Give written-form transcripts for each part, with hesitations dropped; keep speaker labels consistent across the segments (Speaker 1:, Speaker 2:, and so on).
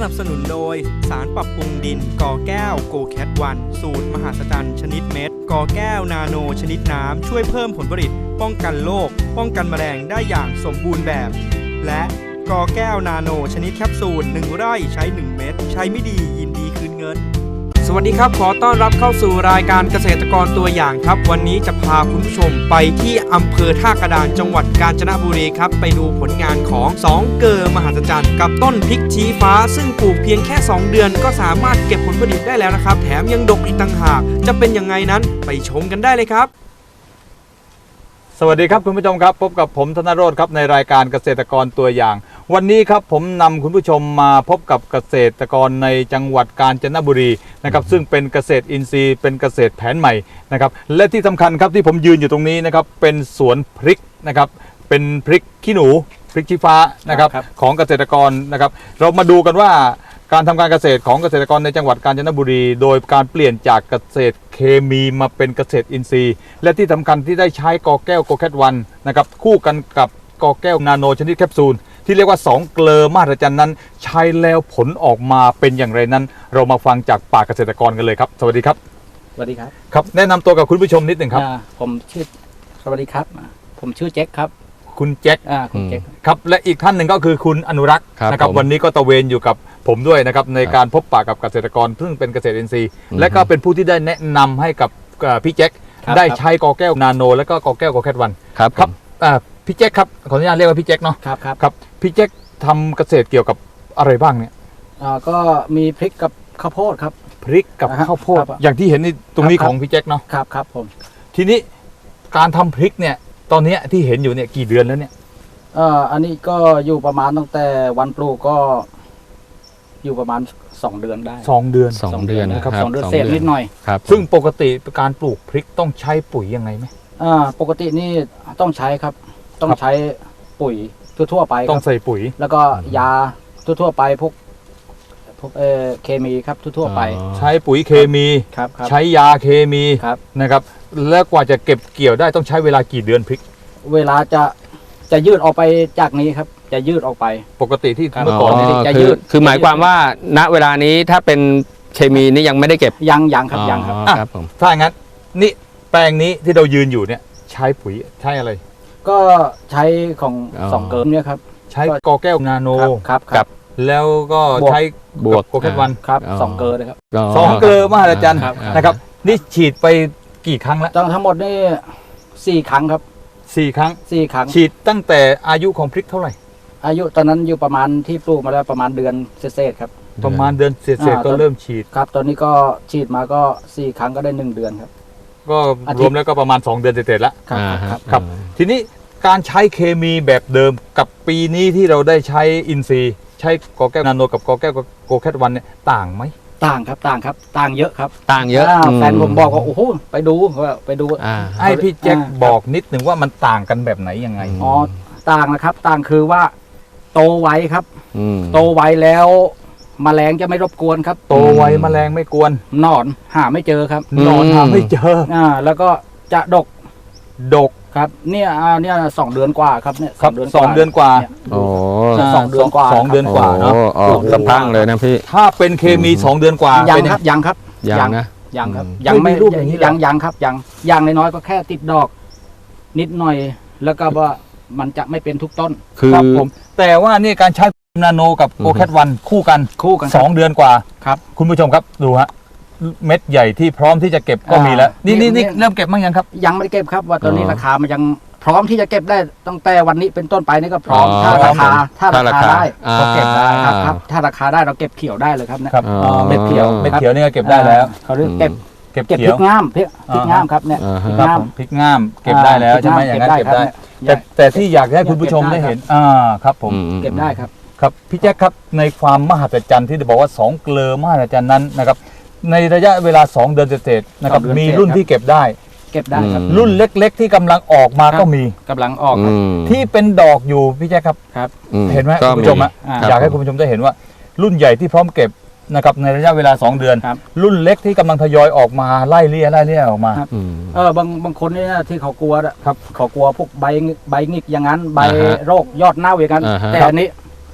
Speaker 1: นับสนุนโดยสารปรับปรุงดินกอแก้วโกแคทวันสูตรมหัศจรรย์ชนิดเม็ดกอแก้วนาโนชนิดน้ำช่วยเพิ่มผลผลิตป้องกันโรคป้องกันแมลงได้อย่างสมบูรณ์แบบและกอแก้วนาโนชนิดแคปซูล1ไร่ใช้1เม็ดใช้ไม่ดียินดีคืนเงินสวัสดีครับขอต้อนรับเข้าสู่รายการเกษตรกรตัวอย่างครับวันนี้จะพาคุณผู้ชมไปที่อำเภอท่ากระดานจังหวัดกาญจนบุรีครับไปดูผลงานของ2เกอมหัศจรรย์กับต้นพริกชี้ฟ้าซึ่งปลูกเพียงแค่2เดือนก็สามารถเก็บผลผลิตได้แล้วนะครับแถมยังดกอีกต่างหากจะเป็นยังไงนั้นไปชมกันได้เลยครับ
Speaker 2: สวัสดีครับคุณผู้ชมครับพบกับผมธนโรจน์ครับในรายการเกษตรกรตัวอย่างวันนี้ครับผมนำคุณผู้ชมมาพบกับเกษตรกรในจังหวัดกาญจนบุรีนะครับซึ่งเป็นเกษตรอินทรีย์เป็นเกษตรแผนใหม่นะครับและที่สำคัญครับที่ผมยืนอยู่ตรงนี้นะครับเป็นสวนพริกนะครับเป็นพริกขี้หนูพริกชี้ฟ้านะครับของเกษตรกรนะครับเรามาดูกันว่าการทำการเกษตรของเกษตรกรในจังหวัดกาญจนบุรีโดยการเปลี่ยนจากเกษตรเคมีมาเป็นเกษตรอินทรีย์และที่สำคัญที่ได้ใช้กอแก้วโกแคทวันนะครับคู่กันกับกอแก้วนาโนชนิดแคปซูลที่เรียกว่า2เกลอมหัศจรรย์นั้นใช้แล้วผลออกมาเป็นอย่างไรนั้นเรามาฟังจากปากเกษตรกรกันเลยครับสวัสดีครับ
Speaker 3: สวัสดีครับ
Speaker 2: ครับแนะนำตัวกับคุณผู้ชมนิดหนึ่งครับ
Speaker 3: ผมชื่อสวัสดีครับผมชื่อแจ็คครับ
Speaker 2: คุณแจ็ค
Speaker 3: คุณแจ็ค
Speaker 2: ครับและอีกท่านหนึ่งก็คือคุณอนุรักษ์นะครับวันนี้ก็ตะเวนอยู่กับผมด้วยนะครับในการพบปะกับเกษตรกรซึ่งเป็นเกษตรอินทรีย์และก็เป็นผู้ที่ได้แนะนำให้กับพี่แจ็คได้ใช้กอแก้วนาโนและก็กอแก้วโกแคทวันครับพี่แจ็คครับขออนุญาตเรียกว่าพี่แจ็คเนาะครับพี่แจ็คทำเกษตรเกี่ยวกับอะไรบ้างเนี่ย
Speaker 3: ก็มีพริกกับข้าวโพดครับ
Speaker 2: พริกกับข้าวโพดอย่างที่เห็นในตรงนี้ของพี่แจ็คเนาะ
Speaker 3: ครับผม
Speaker 2: ทีนี้การทำพริกเนี่ยตอนนี้ที่เห็นอยู่เนี่ยกี่เดือนแล้วเนี่ย
Speaker 3: อันนี้ก็อยู่ประมาณตั้งแต่วันปลูกก็อยู่ประมาณ2เดือนได้
Speaker 2: 2เดือน
Speaker 3: นะครับ2เดือนเศษนิดหน่อย
Speaker 2: ครับซึ่งปกติการปลูกพริกต้องใช้ปุ๋ยยังไงไหม
Speaker 3: ปกตินี่ต้องใช้ครับต้องใช้ปุ๋ยทั่วๆไป
Speaker 2: ต้องใส่ปุ๋ย
Speaker 3: แล้วก็ยาทั่วๆไปพวกเคมีครับทั่วๆไป
Speaker 2: ใช้ปุ๋ยเคมีใช้ยาเคมีนะครับแล้วกว่าจะเก็บเกี่ยวได้ต้องใช้เวลากี่เดือนพริก
Speaker 3: เวลาจะยืดออกไปจากนี้ครับจะยืดออกไป
Speaker 2: ปกติที่เมื่อก่อน
Speaker 4: นี่จะยืดคือหมายความว่าณเวลานี้ถ้าเป็นเคมีนี่ยังไม่ได้เก็บ
Speaker 3: ยังครับยัง
Speaker 2: ครับผมถ้าอย่างนั้นนี่แปลงนี้ที่เรายืนอยู่เนี่ยใช้ปุ๋ยใช้อะไร
Speaker 3: ก็ใช้ของ2เกิร์มเนี่ยครับ
Speaker 2: ใช้กอแก้วนาโน
Speaker 3: ครับ
Speaker 2: แล้วก็ใช้บวกโกแคทวัน
Speaker 3: ครับ2เกลือนะครับ
Speaker 2: 2เกลือมหัศจรรย์นะครับนี่ฉีดไปกี่ครั้งแล้ว
Speaker 3: ทั้งหมดนี่4 ครั้งครับ
Speaker 2: 4 ครั้งฉีดตั้งแต่อายุของพริกเท่าไหร่
Speaker 3: อายุตอนนั้นอยู่ประมาณที่ปลูกมาแล้วประมาณเดือนเศษครับ
Speaker 2: ประมาณเดือนเศษก็เริ่มฉีด
Speaker 3: ครับตอนนี้ก็ฉีดมาก็4 ครั้งก็ได้1 เดือนครับ
Speaker 2: ก็รวมแล้วก็ประมาณ2 เดือนเศษแล้วครับทีนี้การใช้เคมีแบบเดิมกับปีนี้ที่เราได้ใช้อินทรีย์ใช้กอแก้วนาโนกับกอแก้วโกแคทวันเนี่ยต่างไหม
Speaker 3: ต่างครับต่างเยอะครับ
Speaker 4: ต่างเยอะ
Speaker 3: แฟนผมบอกว่าโอ้โหไปดู
Speaker 2: ให้พี่แจ็คบอกนิดหนึ่งว่ามันต่างกันแบบไหนยังไง
Speaker 3: ต่างนะครับต่างคือว่าโตไวครับโตไวแล้วแมลงจะไม่รบกวนครับ
Speaker 2: โตไวแมลงไม่กวน
Speaker 3: หนอนหาไม่เจอครับ
Speaker 2: หนอนหาไม่เจอ
Speaker 3: แล้วก็จะดกครับเนี่ย2 เดือนกว่าครับเนี่ย
Speaker 2: 2 เดือนกว่า
Speaker 4: โอ้
Speaker 3: 2 เดือนกว่า
Speaker 2: 2 เดือนกว่าเนาะ
Speaker 4: สะพังเลยนะพี่
Speaker 2: ถ้าเป็นเคมี2 เดือนกว่า
Speaker 3: ยังครับยังครับยังไม่
Speaker 2: รูปอย่างนี้
Speaker 3: ยังครับยังน้อยๆก็แค่ติดดอกนิดหน่อยแล้วก็ว่ามันจะไม่เป็นทุกต้น
Speaker 2: ครับผมแต่ว่านี่การใช้นาโนกับโกแคทวันคู่กัน2 เดือนกว่า
Speaker 3: ครับ
Speaker 2: คุณผู้ชมครับดูฮะเม็ดใหญ่ที่พร้อมที่จะเก็บก็มีแล้วนี่เริ่มเก็บมั้งยังครับ
Speaker 3: ยังไม่ได้เก็บครับว่าตอนนี้ราคามันยังพร้อมที่จะเก็บได้ตั้งแต่วันนี้เป็นต้นไปนี่ก็พร้อมถ้าราคาได้
Speaker 4: ก็เก็บได้
Speaker 3: ครับถ้าราคาได้เราเก็บเขียวได้เลยครับ
Speaker 2: ครับเม็ดเขียวนี่ก็เก็บได้แล้ว
Speaker 3: เขาเรียกเก็บพริกงามพริกงามครับเนี่ย
Speaker 2: พริกงามเก็บได้แล้วใช่ไหมอย่างนั้นเก็บได้แต่ที่อยากให้คุณผู้ชมได้เห็นครับผม
Speaker 3: เก็บได้ครับ
Speaker 2: ครับพี่แจ็คครับในความมหัศจรรย์ที่บอกว่า2เกลอมหัศจรรย์นั้นนะครับในระยะเวลา2 เดือนเศษนะครับมีรุ่นที่เก็บได้
Speaker 3: ครับ
Speaker 2: รุ่นเล็กๆที่กำลังออกมาก็มี
Speaker 3: กำลังออก
Speaker 2: ที่เป็นดอกอยู่พี่แจ๊คครับเห็นไหมคุณผู้ชมอยากให้คุณผู้ชมได้เห็นว่ารุ่นใหญ่ที่พร้อมเก็บนะครับในระยะเวลา2 เดือนรุ่นเล็กที่กำลังทยอยออกมาไล่เลี่ยออกมา
Speaker 3: บางคนนี่ที่เขากลัวเขากลัวพวกใบหงิกอย่างนั้นใบโรคยอดเน่าอย่างนั้นแต่อันนี้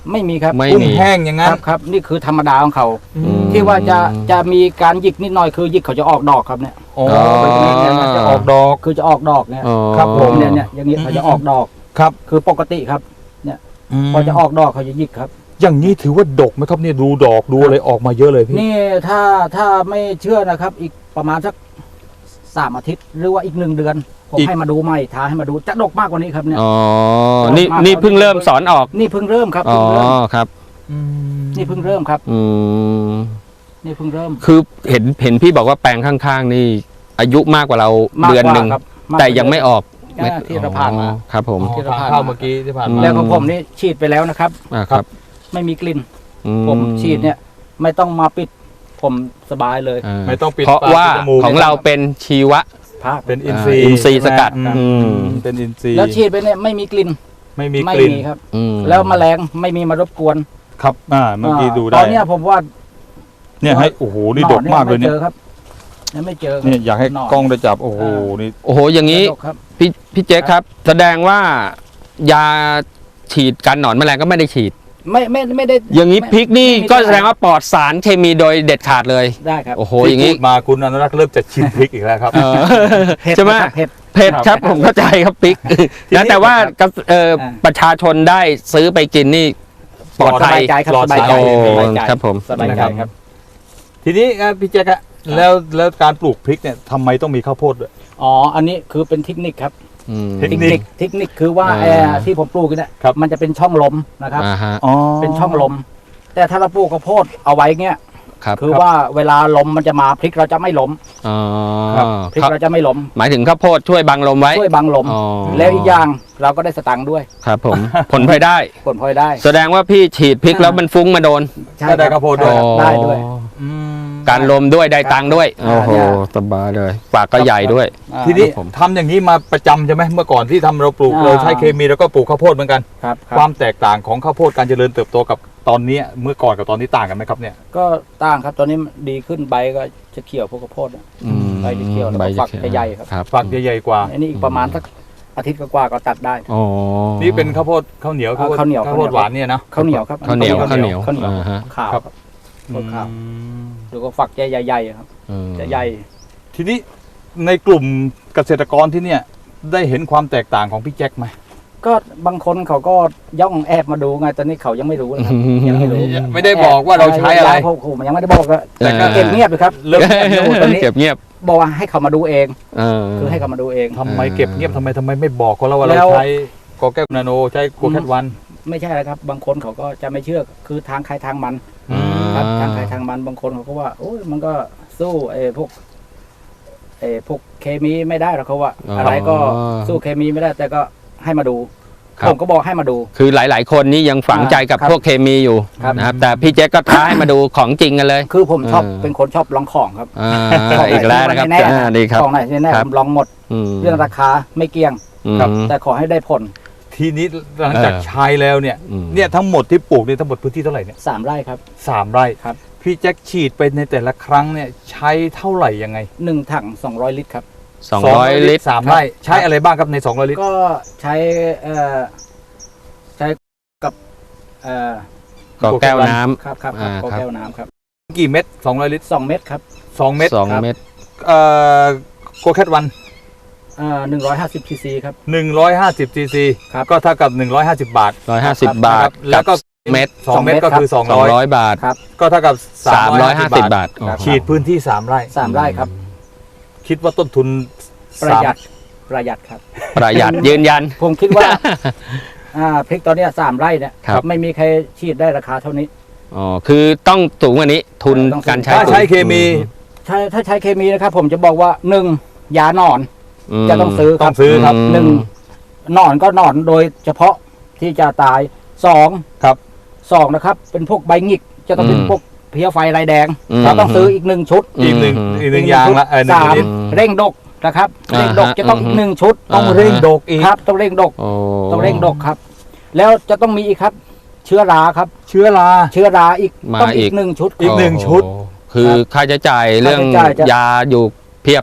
Speaker 3: ไม่มีครับ
Speaker 4: ไม่
Speaker 2: กุ้ง
Speaker 4: มี
Speaker 2: แห้งอย่าง
Speaker 3: ค
Speaker 2: นั้น
Speaker 3: รับครับนี่คือธรรมดาของเขา
Speaker 4: อืม
Speaker 3: ที่ว่าจะมีการหยิกนิดหน่อยคือหยิกเขาจะออกดอกครับเนี่ย
Speaker 2: อ๋อ
Speaker 3: เนี่ยจะออก
Speaker 2: ดอก
Speaker 3: คือจะออกดอกเนี่ย
Speaker 4: อ๋อ
Speaker 2: ครับผม
Speaker 3: เนี่ยอย่างนี้เขาจะออกดอก
Speaker 2: ครับ
Speaker 3: คือปกติครับพอจะออกดอกเขาจะหยิกครับ
Speaker 2: อย่างนี้ถือว่าดกไหมครับเนี่ยดูดอกดูอะไรออกมาเยอะเลยพี่
Speaker 3: นี่ถ้าไม่เชื่อนะครับ อีกประมาณสัก3 อาทิตย์ หรือว่าอีก1 เดือนผมให้มาดูใหม่ท้าให้มาดูจะดกมากกว่านี้ครับเนี่ย
Speaker 4: อ๋อ นี่เพิ่งเริ่มสอนออก
Speaker 3: นี่เพิ่งเริ่มครับ
Speaker 4: อ๋อ
Speaker 3: เพิ่งเริ่ม
Speaker 4: ครับ
Speaker 3: นี่เพิ่งเริ่มครับ
Speaker 4: อืม
Speaker 3: นี่เพิ่งเริ่ม
Speaker 4: คือเห็นพี่บอกว่าแปลงข้างๆ นี่ อายุมากกว่าเรา
Speaker 3: มาก
Speaker 4: เดือน
Speaker 3: กว่า
Speaker 4: หนึ่ง
Speaker 3: ครับากกว่า
Speaker 4: แต่ยังไม่ออก
Speaker 3: ที่เราผ่านมา
Speaker 4: อ๋อครับผม
Speaker 2: อ๋อทางเข้าเมื่อกี้ที่ผ่าน
Speaker 4: อื
Speaker 2: มา
Speaker 3: แล้วของผมนี่ฉีดไปแล้วนะครับ
Speaker 4: ครับ
Speaker 3: ไม่มีกลิ่น
Speaker 4: อื
Speaker 3: ผมฉีดเนี่ยไม่ต้องมาปิดผมสบายเลย
Speaker 4: อ่า
Speaker 2: ไม่ต้องปิด
Speaker 4: เพราะ
Speaker 2: ปก
Speaker 4: ว่า
Speaker 2: ปิดจมูก
Speaker 4: ของเราเป็นชีวะ
Speaker 3: ภาพ
Speaker 2: เป็นอินทรีย์
Speaker 4: อินทรีย์สกัด
Speaker 2: ใช่ไหม
Speaker 4: อืม
Speaker 2: เป็นอินทรีย์
Speaker 3: แล้วฉีดไปเนี่ยไม่มีกลิ่น
Speaker 2: ไม่มี
Speaker 3: ไม่
Speaker 2: กลิ่น
Speaker 3: มีครับ
Speaker 4: อืม
Speaker 3: แล้วแมลงไม่มีมารบกวน
Speaker 2: ครับเมื่อกี้ดู
Speaker 3: ต
Speaker 2: ได้
Speaker 3: อนเนี้ยผมว่า
Speaker 2: เนี่ยให้โอ้โหนี่
Speaker 3: ห
Speaker 2: ด
Speaker 3: อก
Speaker 2: มากเลยเนี่ย
Speaker 3: ไม่เจอครับยังไม่เจอครับ
Speaker 2: เนี่ยอยากให้
Speaker 3: หนอน
Speaker 2: กล้องได้จับโอ้โหนี่
Speaker 4: โอ้โห อย่างนี้
Speaker 3: ดกครับ
Speaker 4: พี่เจ๊ครับ แสดงว่ายาฉีดกันหนอนแมลงก็ไม่ได้ฉีด
Speaker 3: ไม่ได้
Speaker 4: อย่างนี้พริกนี่
Speaker 3: ไม่มี
Speaker 4: ก็แสดงว่าปลอดสารเคมีโดยเด็ดขาดเลย
Speaker 3: ได้ครับ
Speaker 4: โอ้โห
Speaker 2: ที่
Speaker 4: อย่าง
Speaker 2: พู
Speaker 4: นี้
Speaker 2: ดมาคุณอนุรักษ์เริ่มจะชิมพริกอีกแล้วครับ
Speaker 4: เออ
Speaker 3: เผ็ด
Speaker 4: ใช่ไหม
Speaker 3: นะครับเผ็ด
Speaker 4: เผ็ดครับผมเข้าใจครับพริก
Speaker 2: ทีนี้
Speaker 4: นะแต่ว่า
Speaker 3: ครับ
Speaker 4: ประชาชนได้ซื้อไปกินนี่ปลอด
Speaker 3: ส
Speaker 4: ภั
Speaker 3: บาย ยใจครับ
Speaker 2: ปลอด
Speaker 3: สบายใจ
Speaker 2: สารเคมี
Speaker 3: สบายใจ
Speaker 4: ครับผม
Speaker 3: สบายใจครับ
Speaker 2: ทีนี้พี่แจ๊คอะแล้วการปลูกพริกเนี่ยทำไมต้องมีข้าวโพดด้วย
Speaker 3: อ๋ออันนี้คือเป็นเทคนิคครับ
Speaker 4: อืม
Speaker 2: เทคนิค
Speaker 3: เทคนิคคือว่า
Speaker 4: อ่า
Speaker 3: ที่ผมปลูกเนี่ย
Speaker 2: ครับ
Speaker 3: มันจะเป็นช่องลมนะครับ
Speaker 4: อ่าฮะ
Speaker 2: อ๋อ
Speaker 3: เป็นช่องลม แต่ถ้าเราปลูกข้าวโพดเอาไว้เงี้ย
Speaker 4: ครับ
Speaker 3: คือว่าเวลาลมมันจะมาพริกเราจะไม่ล้ม
Speaker 4: อ๋อ
Speaker 3: พริกเราจะไม่ล้ม
Speaker 4: หมายถึงข้าวโพดช่วยบังลมไว้
Speaker 3: ช่วยบังลม
Speaker 4: อ๋อ
Speaker 3: แล้วอีกอย่างเราก็ได้สตังค์ด้วย
Speaker 4: ครับผม ผลพลอยได้
Speaker 3: ผลพลอยได้
Speaker 4: แสดงว่าพี่ฉีดพริกแล้วมันฟุ้งมาโดน
Speaker 3: ใช่
Speaker 2: ก็ได้ข้าวโพดด้วย
Speaker 3: ครับได้ด้วย
Speaker 2: อืม
Speaker 4: การลมด้วยได้ตังค์ด้วย
Speaker 3: อ่า
Speaker 4: โอ้โห
Speaker 3: เนี่ย
Speaker 4: สบายเลยปากก็ใหญ่ด้วย
Speaker 3: อ่า
Speaker 2: ทีนี้
Speaker 4: ผม
Speaker 2: ทำอย่างนี้มาประจำใช่ไหมเมื่อก่อนที่ทำเราปลูก
Speaker 3: อ่า
Speaker 2: เราใช้เคมีแล้วก็ปลูกข้าวโพดเหมือนกัน
Speaker 3: ครับค
Speaker 2: ครับ วามแตกต่างของข้าวโพดการเจริญเติบโตกับตอนนี้เมื่อก่อนกับตอนนี้ต่างกันไหมครับเนี่ย
Speaker 3: ก็ต่างครับตอนนี้ดีขึ้นใบก็จะเขียวพวกข้าวโพดอะ
Speaker 4: อืม
Speaker 3: ใบจะเขียวแล้วก็
Speaker 4: ใบ
Speaker 3: ฝักจะใหญ่ครับ
Speaker 4: ครับ
Speaker 2: ฝักใหญ่ๆกว่า
Speaker 3: อันนี้อีกประมาณสักอาทิตย์กว่าๆก็ตัดได้
Speaker 4: อ๋อ
Speaker 2: นี่เป็นข้าวโพดข้าวเหนียว
Speaker 3: ข้าวเหนียว
Speaker 2: ข้าวโพดหวานเนี่ยนะ
Speaker 3: ข้าวเหนียวครับ
Speaker 4: ข้าวเหนียว
Speaker 3: ข้า
Speaker 4: ข้าว ว
Speaker 3: เห
Speaker 4: เห
Speaker 3: นี
Speaker 4: นี
Speaker 3: ย
Speaker 4: ยว ว
Speaker 3: ข้าวเหนียว
Speaker 4: อ่าฮะ
Speaker 3: ขาว
Speaker 2: ครับ
Speaker 3: ครับ ข้าวขาว
Speaker 2: อืม
Speaker 3: แล้วก็ฝักจะใหญ่ๆครับ
Speaker 4: อืม
Speaker 3: จะใหญ่
Speaker 2: ทีนี้ในกลุ่มเกษตรกรที่เนี่ยได้เห็นความแตกต่างของพี่แจ็คไหม
Speaker 3: ก็บางคนเขาก็ย่องแอบมาดูไงตอนนี้เขายังไม่รู้นะครับยังไม่รู้
Speaker 2: ไม่ได้บอกว่าเราใช้อะไร
Speaker 3: ผมยังไม่ได้บอกเลยแต่ก็
Speaker 4: เออ
Speaker 3: เก็บเงียบเลยครับ
Speaker 2: เริ่ม
Speaker 3: ตอนนี้
Speaker 4: เก็บเงียบ
Speaker 3: บอกว่าให้เขามาดูเอง
Speaker 4: เออ
Speaker 3: คือให้เขามาดูเอง
Speaker 2: ทำไมเก็บเงียบทำไมไม่บอกเขาแล้วว่า
Speaker 3: แล้
Speaker 2: เรา
Speaker 3: ว
Speaker 2: ใช้กอแก้วนาโนใช้โกแคทวัน
Speaker 3: ไม่ใช่แล้วครับ บางคนเขาก็จะไม่เชื่อคือทางใครทางมัน
Speaker 2: อืม
Speaker 3: ครับทางใครทางมันบางคนเขาก็ว่าโอ้ยมันก็สู้พวกเคมีไม่ได้หรอกเขาว่า อะไรก็สู้เคมีไม่ได้ แต่ก็ให้มาดู
Speaker 4: ครับ
Speaker 3: ผมก็บอกให้มาดู
Speaker 4: คือหลาย ๆ คนนี่ยังฝังใจกับ
Speaker 3: ครับ
Speaker 4: พวกเคมีอยู่
Speaker 3: ครับ
Speaker 4: นะครับแต่พี่แจ๊คก็ท้าให้มาดูของจริงกันเลย
Speaker 3: คือผมชอบ
Speaker 4: เออ
Speaker 3: เป็นคนชอบลองของครับ
Speaker 4: อ่า
Speaker 3: ของไหน
Speaker 4: อีกแล้วนะครับ
Speaker 3: ที่มันแน่ๆ
Speaker 4: ดีครับ
Speaker 3: ของไหนที่แน่
Speaker 4: ครั
Speaker 3: ผ
Speaker 4: บ
Speaker 3: มลองหมด
Speaker 4: ม
Speaker 3: เรื่องราคาไม่เกี่ยง
Speaker 2: ครับ
Speaker 3: แต่ขอให้ได้ผล
Speaker 2: ทีนี้หลังจากใช้แล้วเนี่ย
Speaker 4: อืม
Speaker 2: เนี่ยทั้งหมดที่ปลูกเนี่ยทั้งหมดพื้นที่เท่าไหร่เนี่ย
Speaker 3: 3 ไร่ครับ
Speaker 2: 3 ไร่
Speaker 3: ครับ
Speaker 2: พี่แจ็คฉีดไปในแต่ละครั้งเนี่ยใช้เท่าไหร่ยังไง
Speaker 3: 1 ถัง200 ลิตรครับ
Speaker 4: 200 ลิตร
Speaker 2: 3 ไร่ใช้อะไรบ้างครับใน200 ลิตร
Speaker 3: ก็ใช้ใช้กับ
Speaker 4: ก็แก้วน้ำ
Speaker 3: ครับ
Speaker 4: อ่า
Speaker 3: ก็
Speaker 4: ครับ
Speaker 3: แก้วน้ำครับ
Speaker 2: กี่เม็ด200 ลิตร
Speaker 3: 2 เม็ดครับ
Speaker 2: 2 เม็ด
Speaker 4: 2 เม็ด
Speaker 2: โกแคทวัน
Speaker 3: 150 ซีซีครับ
Speaker 2: 150 ซีซี
Speaker 3: ครับ
Speaker 2: ก็เท่ากับ150 บาท
Speaker 4: 150 บาท
Speaker 2: แล้วก็
Speaker 4: เม็ด
Speaker 2: 2 เม็ดก็คือ
Speaker 4: 200 บาท
Speaker 3: ครับ
Speaker 2: 200 ก็เท่ากับ
Speaker 4: 350 บาท
Speaker 3: ครับ
Speaker 2: ฉีดพื้นที่ 3 ไร่
Speaker 3: 3 ไร่ครับ
Speaker 2: คิดว่าต้นทุน
Speaker 3: ประหยัดครับ
Speaker 4: ประหยัดยืนยัน
Speaker 3: ผมคิดว่าพริกตอนเนี้ย3 ไร่เนี่ย
Speaker 4: ครับ
Speaker 3: ไม่มีใครฉีดได้ราคาเท่านี้
Speaker 4: อ๋อคือต้องสูงกว่านี้ทุน
Speaker 3: ต้องสูง
Speaker 4: การใช้
Speaker 2: ถ้าใช้เคมี
Speaker 3: ถ้าใช้เคมีนะครับ ผมจะบอกว่า 1. ยาหนอน
Speaker 4: ม
Speaker 3: จะต้องซื้อค
Speaker 2: ต้
Speaker 3: รั
Speaker 2: อบ งซื้อครับ
Speaker 3: หนึ่งหนอนก็หนอนโดยเฉพาะที่จะตาย2
Speaker 2: ครับ
Speaker 3: 2นะครับ เป็นพวกใบหงิกจะต้องเป็นพวกเพลี้ยไฟลายแดง
Speaker 4: ม
Speaker 3: เราต้องซื้ออีก1 ชุด
Speaker 2: อีกหนึ่งอย่างละหนึ่ง
Speaker 3: สาม
Speaker 2: ลิตร
Speaker 3: เร่งดกนะครับ
Speaker 4: อ่าฮะ
Speaker 3: เร่งดกจะต้องอีก1 ชุด
Speaker 2: ต้องเร่งดกอีก
Speaker 3: ครับต้องเร่งดก
Speaker 4: โอ้
Speaker 3: ต้องเร่งดกครับ แล้วจะต้องมีอีกครับ เชื้อราครับ
Speaker 2: เชื้อรา
Speaker 3: เชื้อราอีก
Speaker 4: มา
Speaker 3: ต้อง
Speaker 4: อี
Speaker 3: อี
Speaker 4: ก
Speaker 3: ก1 ชุด
Speaker 2: อีกหนึ่งชุด
Speaker 4: โอ้คือค่าใช้จ่ายเรื่อง
Speaker 3: ค่าใช้จ่ายจะ
Speaker 4: ยาอยู่เพียบ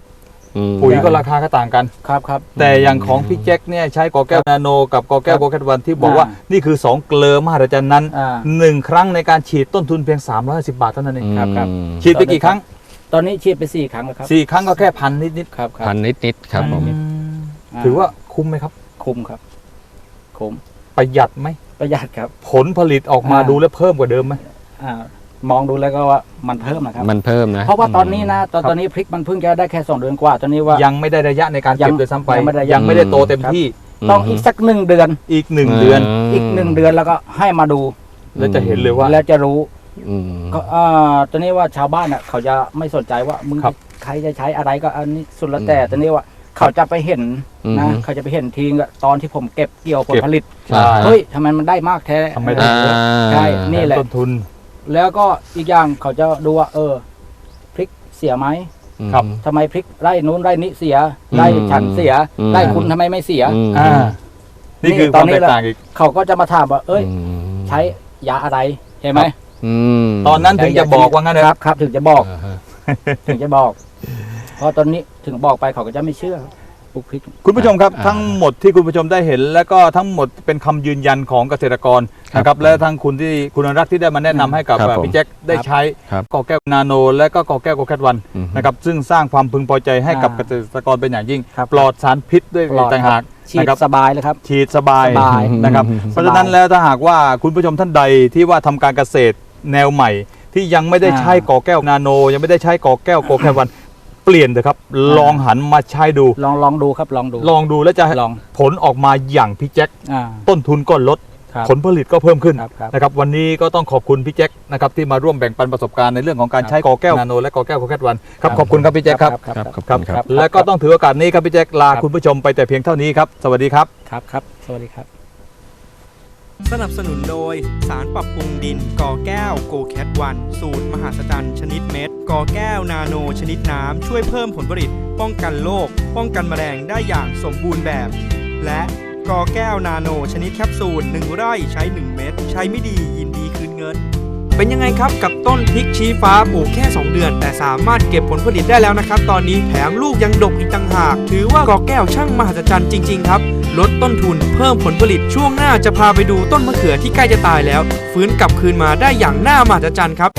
Speaker 2: ปุ๋ยก็ราคาก็ต่างกัน
Speaker 3: ครับ
Speaker 2: แต่อย่างของพี่แจ็คเนี่ยใช้กอแก้วนาโนกับกอแก้วโกแคทวันที่บอกว่านี่คือ2เกลือมหัศจรรย์นั้น 1 ครั้งในการฉีดต้นทุนเพียง350 บาทเท่านั้นเอง
Speaker 3: ครับ
Speaker 2: ฉีดไปกี่ครั้ง
Speaker 3: ตอนนี้ฉีดไป4 ครั้งแล้วครับ
Speaker 2: 4 ครั้งก็แค่พันนิด
Speaker 3: ครับ
Speaker 4: พันนิดๆครับผม
Speaker 2: ถือว่าคุ้มไหมครับ
Speaker 3: คุ้มครับคุ้ม
Speaker 2: ประหยัดไหม
Speaker 3: ประหยัดครับ
Speaker 2: ผลผลิตออกมาดูแล้วเพิ่มกว่าเดิมไหม
Speaker 3: มองดูแล้วก็ว่ามันเพิ่มนะครับ
Speaker 4: มันเพิ่มนะ
Speaker 3: เพราะว่าตอนนี้นะตอนนี้พริกมันเพิ่งจะได้แค่2 เดือนกว่าตอนนี้ว่า
Speaker 2: ยังไม่ได้ระยะในการเก็บโดยซ้ำไป
Speaker 3: ยังไม่ได้
Speaker 2: ยังไม่ได้โตเต็มที่
Speaker 3: ต้องอีกสัก1 เดือน
Speaker 2: อีก1 เดือน
Speaker 3: อีก1 เดือนแล้วก็ให้มาดู
Speaker 2: แล้วจะเห็นเลยว่า
Speaker 3: แล้วจะรู้
Speaker 4: อืม
Speaker 3: ก็ตอนนี้ว่าชาวบ้านเขาจะไม่สนใจว่ามึง
Speaker 2: ครับ
Speaker 3: ใครจะใช้อะไรก็อันนี้สุดแล้วแต่ตอนนี้ว่าเขาจะไปเห็นนะเขาจะไปเห็นทีตอนที่ผมเก็บเกี่ยวผลผลิต
Speaker 2: ใช่
Speaker 3: เฮ้ยทำไมมันได้มากแท้
Speaker 2: ทำไมได้เยอะ
Speaker 3: ใช่นี่แหละ
Speaker 2: ต้นทุน
Speaker 3: แล้วก็อีกอย่างเขาจะดูว่าพริกเสียไหม
Speaker 2: ครับ
Speaker 3: ทำไมพริกไร่นู้นไร่นี้เสียไร่ฉันเสียไร่คุณทำไมไม่เสีย
Speaker 2: อ่านี่คือความแตกต่างอีก
Speaker 3: เขาก็จะมาถามว่า ใช้ยาอะไรเห็นไหม
Speaker 2: ตอนนั้นถึงจะบอกว่างั้นนะครับ
Speaker 3: ครับถึงจะบอก ถึงจะบอก เพราะตอนนี้ถึงบอกไปเขาก็จะไม่เชื่อปลูกพริก
Speaker 2: คุณผู้ชมครับทั้งหมดที่คุณผู้ชมได้เห็น และก็ทั้งหมดเป็นคำยืนยันของเกษตรกรนะครับและทั้งคุณอนุรักษ์ที่ได้มาแนะนำให้กับ
Speaker 4: ครับผม
Speaker 2: พี่แจ็คได้ใช้
Speaker 4: ครับ
Speaker 2: กอแก้วนาโน และก็กอแก้วโกแคทวันนะครับซึ่งสร้างความพึงพอใจให้กับเกษตรกรเป็นอย่างยิ่ง
Speaker 3: ครับ
Speaker 2: ปลอดสารพิษด้วย
Speaker 3: ปลอด
Speaker 2: ต่างหาก
Speaker 3: ฉีด
Speaker 2: นะครับ
Speaker 3: สบายเลยครับ
Speaker 2: ฉีดสบาย
Speaker 3: สบาย
Speaker 2: นะครับเพราะฉะนั้นแล้วถ้าหากว่าคุณผู้ชมท่านใดที่ว่าทำการเกษตรแนวใหม่ ที่ยังไม่ได้ใช้กอแก้วนาโน ยังไม่ได้ใช้กอแก้วโกแคทวันเปลี่ยนเถอะครับลองหันมาใช้ดู
Speaker 3: ลองดูครับลองดู
Speaker 2: ลองดูแล้วจะ
Speaker 3: ลอง
Speaker 2: ผลออกมาอย่างพี่แจ็ค
Speaker 3: อ่า
Speaker 2: ต้นทุนก็ลด
Speaker 3: ครับ
Speaker 2: ผลผลิตก็เพิ่มขึ้น
Speaker 3: ครับ
Speaker 2: นะครับวันนี้ก็ต้องขอบคุณพี่แจ็คนะครับที่มาร่วมแบ่งปันประสบการณ์ในเรื่องของการใช้กอแก้วนาโนและกอแก้วโคแคทวันครับขอบคุณครับพี่แจ็คครับ
Speaker 3: ครับ
Speaker 4: ขอบคุณครับ
Speaker 2: และก็ต้องถือโอกาสนี้ครับพี่แจ็คลาคุณผู้ชมไปแต่เพียงเท่านี้ครับสวัสดีครับ
Speaker 3: ครับสวัสดีครับ
Speaker 1: สนับสนุนโดยสารปรับปรุงดินกอแก้วโกแคทวันสูตรมหาศจรรย์ชนิดเม็ดกอแก้วนาโนชนิดน้ำช่วยเพิ่มผลผลิตป้องกันโรคป้องกันแมลงได้อย่างสมบูรณ์แบบ และกอแก้วนาโนชนิดแคปซูล1 ไร่ใช้ 1 เม็ดใช้ไม่ดียินดีคืนเงิน เป็นยังไงครับกับต้นพริกชี้ฟ้าปลูกแค่ 2 เดือน แต่สามารถเก็บผลผลิตได้แล้วนะครับตอนนี้แถมลูกยังดกอีกต่างหากถือว่ากอแก้วช่างมหัศจรรย์จริงๆครับลดต้นทุนเพิ่มผลผลิตช่วงหน้าจะพาไปดูต้นมะเขือที่ใกล้จะตายแล้วฟื้นกลับคืนมาได้อย่างน่ามหัศจรรย์ครับ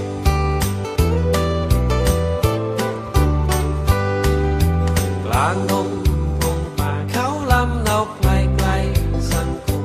Speaker 5: กลางดงพงป่าเขาลำเนาไกลไกลสังคม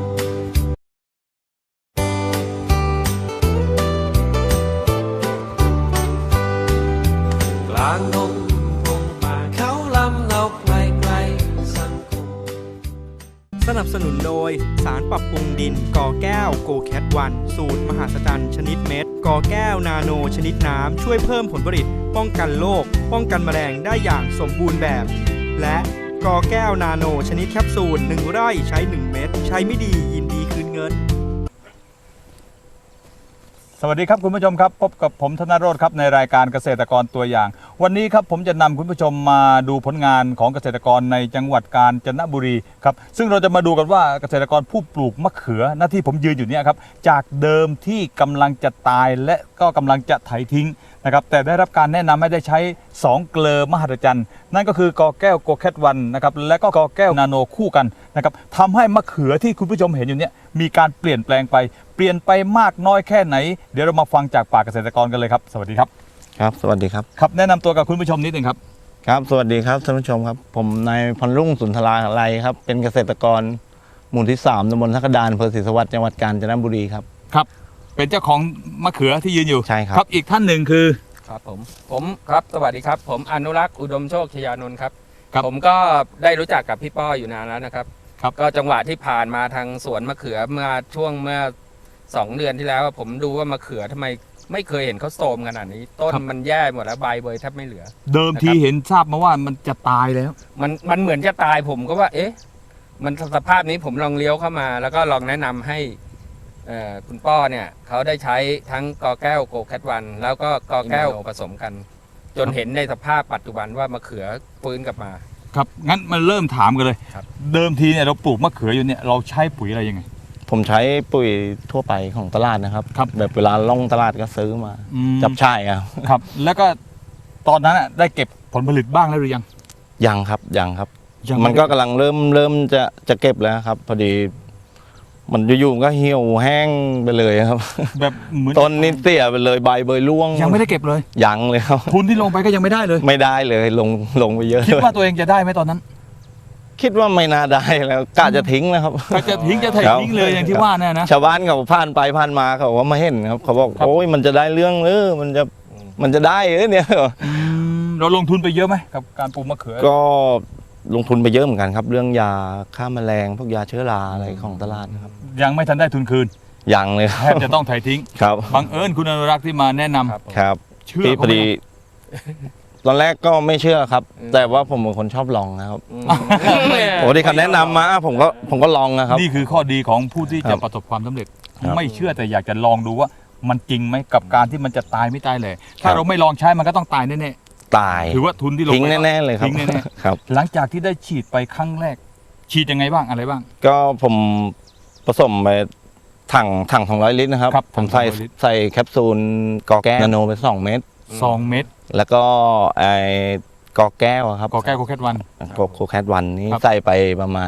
Speaker 5: กลางดงพงป่าเขาลำเนาไกลไกลสังคม
Speaker 1: สนับสนุนโดยสารปรับปรุงดินกอแก้วโกแคทวันสูตรมหาศจรรย์ชนิดเม็ดกอแก้วนาโนชนิดน้ำช่วยเพิ่มผลผลิตป้องกันโรคป้องกันแมลงได้อย่างสมบูรณ์แบบ และกอแก้วนาโนชนิดแคปซูล1 ไร่ใช้ 1 เม็ดใช้ไม่ดียินดีคืนเงิน
Speaker 2: สวัสดีครับคุณผู้ชมครับพบกับผมธนโรจน์ครับในรายการเกษตรกรตัวอย่าง วันนี้ครับผมจะนำคุณผู้ชมมาดูผลงานของเกษตรกรในจังหวัดกาญจนบุรีครับซึ่งเราจะมาดูกันว่าเกษตรกรผู้ปลูกมะเขือหน้าที่ผมยืนอยู่เนี่ยครับจากเดิมที่กำลังจะตายและก็กำลังจะไถทิ้งนะครับแต่ได้รับการแนะนำให้ได้ใช้2เกลือมหัศจรรย์นั่นก็คือกอแก้วโกแคทวันนะครับและก็กอแก้วนาโนคู่กันนะครับทำให้มะเขือที่คุณผู้ชมเห็นอยู่เนี่ยมีการเปลี่ยนแปลงไปเปลี่ยนไปมากน้อยแค่ไหนเดี๋ยวเรามาฟังจากปากเกษตรกรกันเลยครับสวัสดีครับ
Speaker 6: ครับสวัสดีครับ
Speaker 2: ครับแนะนำตัวกับคุณผู้ชมนิดหนึ่งครับ
Speaker 6: ครับสวัสดีครับท่านผู้ชมครับ ผมนายพรรุ่งสุนทราลัยครับเป็นเกษตรกรหมู่ที่3ตำบลทักดานอำเภอศรีสวัสดิ์จังหวัดกาญจนบุรีครับ
Speaker 2: ครับเป็นเจ้าของมะเขือที่ยืนอยู่
Speaker 6: ใช่ครับ
Speaker 2: ครับอีกท่านหนึ่งคือ
Speaker 4: ครับผมครับสวัสดีครับ ผมอนุรักษ์อุดมโชคชยานนท์ครับ
Speaker 2: ครับ
Speaker 4: ผมก็ได้รู้จักกับพี่ป้ออยู่นานแล้วนะครับ
Speaker 2: ครับ
Speaker 4: ก็จังหวะที่ผ่านมาทางสวนมะเขือเมื่อ2 เดือนที่แล้ว ผมดูว่ามะเขือทำไมไม่เคยเห็นเขาโทรมขนาดนี้ ต้นมันแย่หมดแล้วใบเบยแทบไม่เหลือ
Speaker 2: เดิมทีเห็นทราบมาว่ามันจะตายแล้ว
Speaker 4: มันเหมือนจะตายผมก็ว่า เอ๊ะ มันสภาพนี้ผมลองเลี้ยวเข้ามา แล้วก็ลองแนะนำให้คุณป้อเนี่ยเขาได้ใช้ทั้งกอแก้วโกแคทวันแล้วก็กอแก้วผสมกัน จนเห็นในสภาพปัจจุบันว่ามะเขือฟื้นกลับมา
Speaker 2: ครับงั้นมันเริ่มถามกันเลย
Speaker 4: ครับ
Speaker 2: เดิมทีเนี่ยเราปลูกมะเขืออยู่เนี่ยเราใช้ปุ๋ยอะไรยังไง
Speaker 6: ผมใช้ปุ๋ยทั่วไปของตลาดนะครับ
Speaker 2: ครับ
Speaker 6: แบบเวลาล่องตลาดก็ซื้อมา
Speaker 2: อืม
Speaker 6: จับช่ายครับ
Speaker 2: ครับ แล้วก็ตอนนั้นอะได้เก็บผลผลิตบ้างแล้วหรือยัง
Speaker 6: ยังครับยังครับ
Speaker 2: ยัง
Speaker 6: มันก็กำลังเริ่มจะเก็บแล้วครับ พอดี มันอยู่ๆก็เหี่ยวแห้งไปเลยครับ
Speaker 2: แบบเหมือน
Speaker 6: ต้นนี่เสียไปเลยใบเบยร่วง
Speaker 2: ยังไม่ได้เก็บเลย
Speaker 6: ยังเลยครับ
Speaker 2: ทุนที่ลงไปก็ยังไม่ได้เลย
Speaker 6: ไม่ได้เลยลงไปเยอะ
Speaker 2: คิดว่าตัวเองจะได้ไหมตอนนั้น
Speaker 6: คิดว่าไม่น่าได้แล้วกะจะทิ้งนะครับ
Speaker 2: ก็จะทิ้งจะถ่าย
Speaker 6: ครับ
Speaker 2: ทิ้งเลยอย่างที่ว่าเนี่ยนะ
Speaker 6: ชาวบ้านเขาผ่านไปผ่านมาเขาว่ามาเห็นครับเขาบอก
Speaker 2: ครับ
Speaker 6: โอ้ยมันจะได้เรื่องมันจะได้เนี่ย
Speaker 2: เราลงทุนไปเยอะไหมกับการปลูกมะเขือ
Speaker 6: ก็ลงทุนไปเยอะเหมือนกันครับ เรื่องยาฆ่าแมลงพวกยาเชื้อราอะไรของตลาดนะครับ
Speaker 2: ยังไม่ทันได้ทุนคืน
Speaker 6: ยังเลยค
Speaker 2: แท
Speaker 6: รั
Speaker 2: บบ จะต้องถ่ายทิ้ง
Speaker 6: ครับ
Speaker 2: บังเอิญคุณอนุรักษ์ที่มาแนะนำ
Speaker 4: ครับผม
Speaker 6: ครับ
Speaker 2: เชื่อ
Speaker 6: พี่
Speaker 2: เขา
Speaker 6: พอ
Speaker 2: ไหม
Speaker 6: ดี ตอนแรกก็ไม่เชื่อครับ แต่ว่าผมเป็นคนชอบลองนะครับ โอ้ที่เขาแนะนำมาผมก็ลองนะครับ
Speaker 2: นี่คือข้อดีของผู้ที่
Speaker 6: ครั
Speaker 2: จะ
Speaker 6: บ
Speaker 2: ประสบความสำเร็จ
Speaker 6: ครับ
Speaker 2: ไม่เชื่อแต่อยากจะลองดูว่ามันจริงไหมกับการที่มันจะตายไม่ตายเลย ถ้า
Speaker 6: ครับ
Speaker 2: เราไม่ลองใช้มันก็ต้องตายแน่
Speaker 6: ตาย
Speaker 2: ๆถือว่าทุนที่ลง
Speaker 6: ทิ้ง
Speaker 2: ไป
Speaker 6: แน่ๆเลยครับ
Speaker 2: ทิ้งแน่
Speaker 6: ครับ
Speaker 2: ๆหลังจากที่ได้ฉีดไปครั้งแรก ฉีดยังไงบ้างอะไรบ้าง
Speaker 6: ก็ผมผสมไปถัง200 ลิตรนะครับ
Speaker 2: ครับ
Speaker 6: ผมใส่
Speaker 2: 200ลิตร
Speaker 6: ใส่แคปซูลกอแก้วนาโนไป2 เม็ด
Speaker 2: 2 เม็ด
Speaker 6: แล้วก็ไอ้กอแก้วอะครับ
Speaker 2: กอแก้วโคแคทวัน
Speaker 6: โคแคทวันนี้
Speaker 2: ครับ
Speaker 6: ใส่ไปประมาณ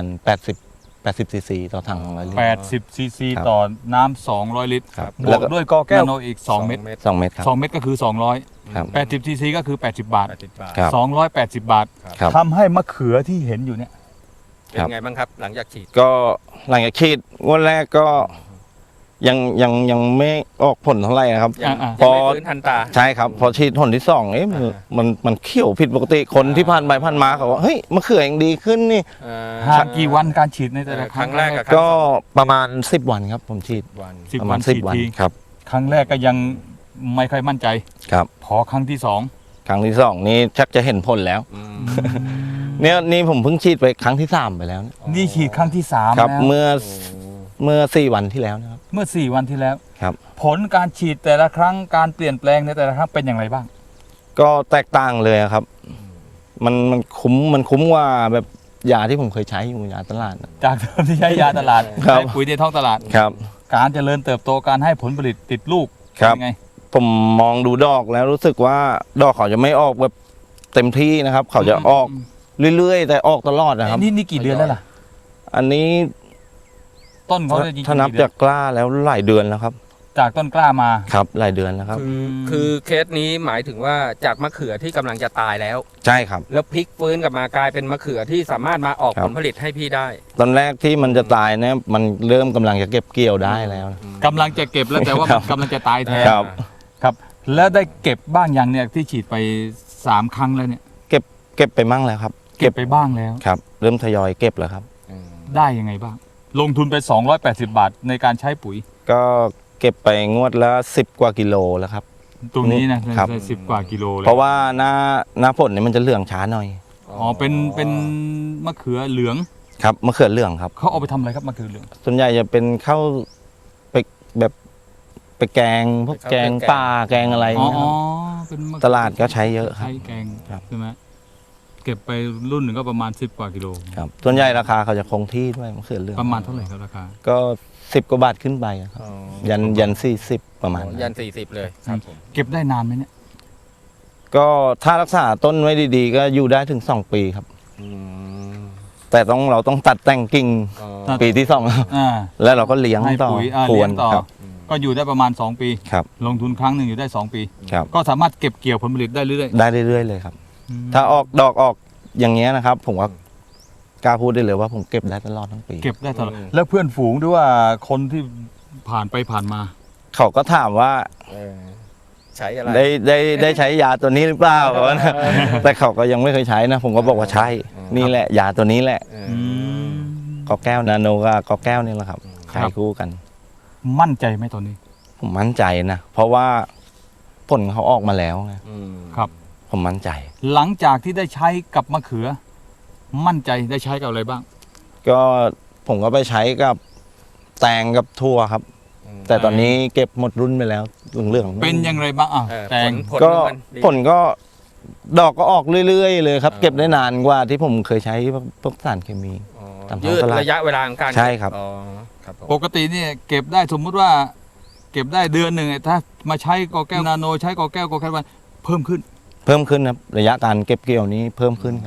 Speaker 6: 80ซีซีต่อถัง200 ลิตร
Speaker 2: 80 ซีซี
Speaker 6: ครับ
Speaker 2: ต่อน้ำ200 ลิตร
Speaker 6: ครับ
Speaker 2: บ
Speaker 6: แล้ว วก็
Speaker 2: กด้วยกอแก้วนาโนอีก 2 เม็ด
Speaker 6: 2 เม็ดครับ
Speaker 2: 2 เม็ดก็คือ 200
Speaker 6: ครับ
Speaker 2: 80 ซีซีก็คือ 80 บาท
Speaker 4: 80 บาท
Speaker 6: ครับ
Speaker 2: 280 บาท
Speaker 6: ครับ
Speaker 2: ทำให้มะเขือที่เห็นอยู่เนี่ย
Speaker 4: เป็นไงบ้างครับ หลังจากฉีด
Speaker 6: ก็หลังจากฉีดงวดแรกก็ยังไม่ออกผลเท่าไหร่ครับ
Speaker 4: ยัง
Speaker 2: อ่า
Speaker 6: พอ
Speaker 4: ไม่ฟื้นทันตา
Speaker 6: ใช่ครับ พอฉีดหนที่ 2เอ๊ะมันเขียวผิดปกติคนที่ผ่านไปผ่านมาเขาว่าเฮ้ยมะเขือยังดีขึ้นนี่
Speaker 2: ห่างกี่วันการฉีดในแต่ละ
Speaker 4: ครั้งแรกกับ
Speaker 6: ก็ประมาณ10 วันครับผมฉีด
Speaker 4: วัน
Speaker 2: 10
Speaker 6: ประ
Speaker 2: วั
Speaker 6: มาน ณ
Speaker 2: ฉีด
Speaker 6: 10 วัน
Speaker 2: ที
Speaker 6: ครับ
Speaker 2: ครั้งแรกก็ยังไม่ค่อยมั่นใจ
Speaker 6: ครับ
Speaker 2: พอครั้งที่สอง
Speaker 6: ครั้งที่ 2 นี่ชักจะเห็นผลแล้ว เนี่ยนี่ผมเพิ่งฉีดไปครั้งที่ 3 ไปแล้วนะ
Speaker 2: นี่ฉีดครั้งที่สาม
Speaker 6: ครับ
Speaker 2: แล้ว
Speaker 6: เมื่อ4 วันที่แล้วนะครับ
Speaker 2: เมื่อ 4 วันที่แล้ว
Speaker 6: ครับ
Speaker 2: ผลการฉีดแต่ละครั้งการเปลี่ยนแปลงในแต่ละครั้งเป็นอย่างไรบ้าง
Speaker 6: ก็แตกต่างเลยครับ มันคุ้มกว่าแบบยาที่ผมเคยใช้อยู่ยาตลาดนะ
Speaker 2: จากเดิมที่ใช้ยาตลาด
Speaker 6: ครับ
Speaker 2: ใช้ปุ๋ยในท้องตลาด
Speaker 6: ครับ
Speaker 2: การเจริญเติบโตการให้ผลผลิตติดลูก
Speaker 6: ครับ
Speaker 2: เป็นไง
Speaker 6: ผมมองดูดอกแล้วรู้สึกว่าดอกเขาจะไม่ออกแบบเต็มที่นะครับ เขาจะออกเรื่อยๆ แต่ออกตลอดนะครับ
Speaker 2: นี่กี่เดือนแล้วล่ะ
Speaker 6: อันนี้
Speaker 2: ต้นเขาจะจริงๆ
Speaker 6: ถ้านับ
Speaker 2: กี่เดื
Speaker 6: จากกล้าแล้วหลายเดือนแล้วครับ
Speaker 2: จากต้นกล้ามา
Speaker 6: ครับหลายเดือนแล้วครับ
Speaker 4: คือเคสนี้หมายถึงว่าจากมะเขือที่กำลังจะตายแล้ว
Speaker 6: ใช่ครับ
Speaker 4: แล้วพลิกฟื้นกลับมากลายเป็นมะเขือที่สามารถมาออก
Speaker 6: ครับ
Speaker 4: ผลผลิตให้พี่ได้
Speaker 6: ตอนแรกที่มันจะตายเนี่ยมันเริ่มกำลังจะเก็บเกี่ยวได้แล้วนะ
Speaker 2: กำลังจะเก็บแล้วแต่ว่า
Speaker 6: ครั
Speaker 2: มัน
Speaker 6: บ
Speaker 2: กำลังจะตายแทน
Speaker 6: ครับ
Speaker 2: ครับ แล้วได้เก็บบ้างยังเนี่ยที่ฉีดไป3 ครั้งแล้วเนี่ย
Speaker 6: เก็บไปมั่งแล้วครับ
Speaker 2: เก็บไปบ้างแล้ว
Speaker 6: ครับ เริ่มทยอยเก็บแล้วครับ
Speaker 2: ได้ยังไงบ้าง ลงทุนไป280 บาทในการใช้ปุ๋ย
Speaker 6: ก็เก็บไปงวดละ10 กว่ากิโลแล้วครับ
Speaker 2: ตรงนี้นะครับ ได้10 กว่ากิโลเลย
Speaker 6: เพราะว่าหน้าฝนเนี่ยมันจะเหลืองช้าหน่อย
Speaker 2: อ๋อเป็นมะเขือเหลือง
Speaker 6: ครับมะเขือเหลืองครับ
Speaker 2: เขาเอาไปทำอะไรครับมะเขือเหลือง
Speaker 6: ส่วนใหญ่จะเป็นข้าวไปแบบไปแกงพวกแกงป่าแกงอะไร
Speaker 2: อ๋อ
Speaker 6: นะครับ
Speaker 2: เป็นมะเขือ
Speaker 6: ตลาดก็ใช้เยอะครับ
Speaker 2: ใช้แกง
Speaker 6: ครับ
Speaker 2: ใช่ไหมเก็บไปรุ่นหนึ่งก็ประมาณ10 กว่ากิโล
Speaker 6: ครับส่วนใหญ่ราคาเขาจะคงที่ด้วยมะเขือเหลือง
Speaker 2: ประมาณเท่าไหร่ครับราคา
Speaker 6: ก็10 กว่าบาทขึ้นไปครับยัน40ประมาณนั้น
Speaker 4: ยัน 40 เลยครับผม
Speaker 2: เก็บได้นานไหมเนี่ย
Speaker 6: ก็ถ้ารักษาต้นไว้ดีๆ ก็อยู่ได้ถึง 2 ปีครับ แต่เราต้องตัดแต่งกิ่งปีที่ 2
Speaker 2: อ่า
Speaker 6: แล้วเราก็เลี้ยง
Speaker 2: ให้
Speaker 6: ต่อ
Speaker 2: ปุ๋ย
Speaker 6: พร
Speaker 2: เลี้
Speaker 6: วย น
Speaker 2: งต่อ
Speaker 6: ครับ
Speaker 2: ก็อยู่ได้ประมาณ 2 ปี
Speaker 6: ครับ
Speaker 2: ลงทุนครั้งหนึ่งอยู่ได้ 2 ปี
Speaker 6: ครับ
Speaker 2: ก็สามารถเก็บเกี่ยวผลผลิตได้เรื่อย
Speaker 6: ได้เรื่อยๆเลยครับ
Speaker 2: ๆ
Speaker 6: ถ้าออกดอกออกอย่างเงี้ยนะครับ ผมว่ากล้าพูดได้เลยว่าผมเก็บได้ตลอดทั้งปี
Speaker 2: เก็บได้ตลอดแล้วเพื่อนฝูงด้วยว่าคนที่ผ่านไปผ่านมา
Speaker 6: เขาก็ถามว่า
Speaker 4: ใช้อะไร
Speaker 6: ได้ใช้ยาตัวนี้หรือเปล่า แต่เขาก็ยังไม่เคยใช้นะ ผมก็บอกว่าใช่ นี่แหละยาตัวนี้แหละกอแก้วนาโนกับกอแก้วนี่แหละครับ
Speaker 2: ครั
Speaker 6: ใช้
Speaker 2: บ
Speaker 6: คู่กัน
Speaker 2: มั่นใจไหมตอนนี้
Speaker 6: ผมมั่นใจนะเพราะว่าผลเขาออกมาแล้วไง
Speaker 2: ครับ
Speaker 6: ผมมั่นใจ
Speaker 2: หลังจากที่ได้ใช้กับมะเขือ มั่นใจได้ใช้กับอะไรบ้าง
Speaker 6: ก็ผมก็ไปใช้กับแตงกับทั่วครับ แต่ตอนนี้เก็บหมดรุ่นไปแล้วเรื่องๆ
Speaker 2: เป็นอย่างไรบ้างอ่ะแตง
Speaker 4: ผล
Speaker 6: ก็
Speaker 4: มันดี
Speaker 6: ผลก็ดอกก็ออกเรื่อยๆเลยครับ เก็บได้นานกว่าที่ผมเคยใช้พวกสารเคมี ตามท้อง
Speaker 4: ยืด
Speaker 6: ตลาด
Speaker 4: ระยะเวลาของการ
Speaker 6: ใช่ครับ
Speaker 4: อ๋อครับผม
Speaker 2: ปกติเนี่ยเก็บได้สมมุติว่า เก็บได้เดือนหนึ่งถ้ามาใช้กอแก้วนาโนใช้กอแก้วกอแคทวันเพิ่มขึ้น
Speaker 6: เพิ่มขึ้นครับระยะการเก็บเกี่ยวนี้เพิ่มขึ้นครับ
Speaker 2: ผ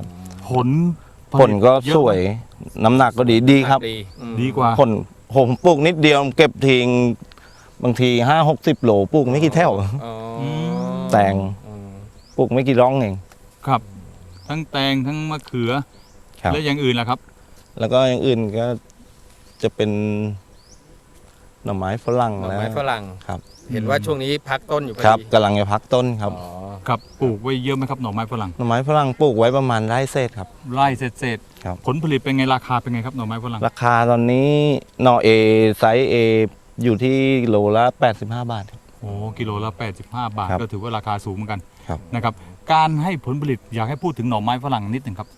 Speaker 6: ผลก็สวยน้ำหนักก็ดีครับ
Speaker 2: ดีกว่า
Speaker 6: ผลผมปลูกนิดเดียวเก็บทิ้งบางที50-60 โหลปลูกไม่กี่แถว
Speaker 4: อ๋อ
Speaker 6: แตง ปลูกไม่กี่ร่องเอง
Speaker 2: ครับ ทั้งแตงทั้งมะเขือ
Speaker 6: ครับ
Speaker 2: และอย่างอื่นล่ะครับ
Speaker 6: แล้วก็อย่างอื่นก็จะเป็นหน่อไม้ฝรั่ง
Speaker 4: หน่อ
Speaker 6: แล้ว
Speaker 4: ไม้ฝรั่ง
Speaker 6: ครับ
Speaker 4: เห็นว่าช่วงนี้พักต้นอยู่พอ
Speaker 6: ครับ
Speaker 4: ดี
Speaker 6: กำลังจะพักต้นครับ
Speaker 4: อ๋อ
Speaker 2: ครับปลูกไว้เยอะไหมครับหน่อไม้ฝรั่ง
Speaker 6: หน่อไม้ฝรั่งปลูกไว้ประมาณไร่เศษครับ
Speaker 2: ไร่เศษ
Speaker 6: ครับ
Speaker 2: ผลผลิตเป็นไงราคาเป็นไงครับหน่อไม้ฝรั่ง
Speaker 6: ราคาตอนนี้หน่อเอไซส์เออยู่ที่โลละ85 บาทครับ
Speaker 2: โอ้กิโลละ85 บาท
Speaker 6: ครับ
Speaker 2: ก็ถือว่าราคาสูงเหมือนกัน
Speaker 6: ครับ
Speaker 2: นะครับการให้ผลผลิตอยากให้พูดถึงหน่อไม้ฝรั่งนิดหนึ่งครับ